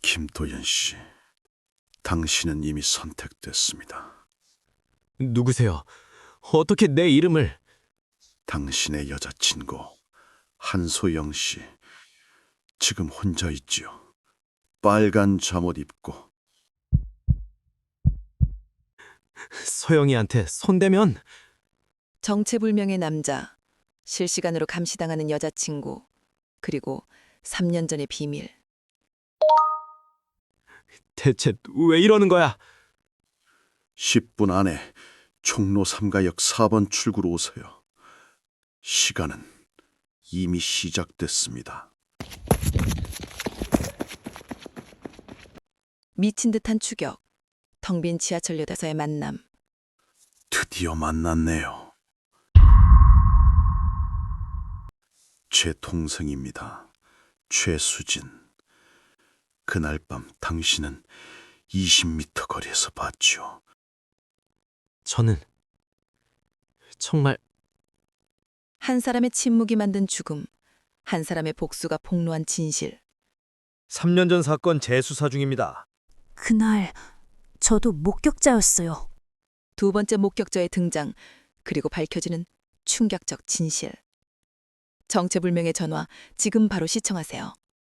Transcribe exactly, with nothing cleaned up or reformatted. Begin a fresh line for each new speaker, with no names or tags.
김도연 씨, 당신은 이미 선택됐습니다.
누구세요? 어떻게 내 이름을...
당신의 여자친구 한소영 씨, 지금 혼자 있지요. 빨간 잠옷 입고.
소영이한테 손대면...
정체불명의 남자, 실시간으로 감시당하는 여자친구, 그리고 삼 년 전의 비밀.
대체 왜 이러는 거야?
십 분 안에 총로 삼가역 사 번 출구로 오세요. 시간은 이미 시작됐습니다.
미친 듯한 추격, 텅 빈 지하철역에서의 만남.
드디어 만났네요. 제 동생입니다. 최수진. 그날 밤 당신은 이십 미터 거리에서 봤죠.
저는... 정말...
한 사람의 침묵이 만든 죽음, 한 사람의 복수가 폭로한 진실.
삼 년 전 사건 재수사 중입니다.
그날 저도 목격자였어요.
두 번째 목격자의 등장, 그리고 밝혀지는 충격적 진실. 정체불명의 전화, 지금 바로 시청하세요.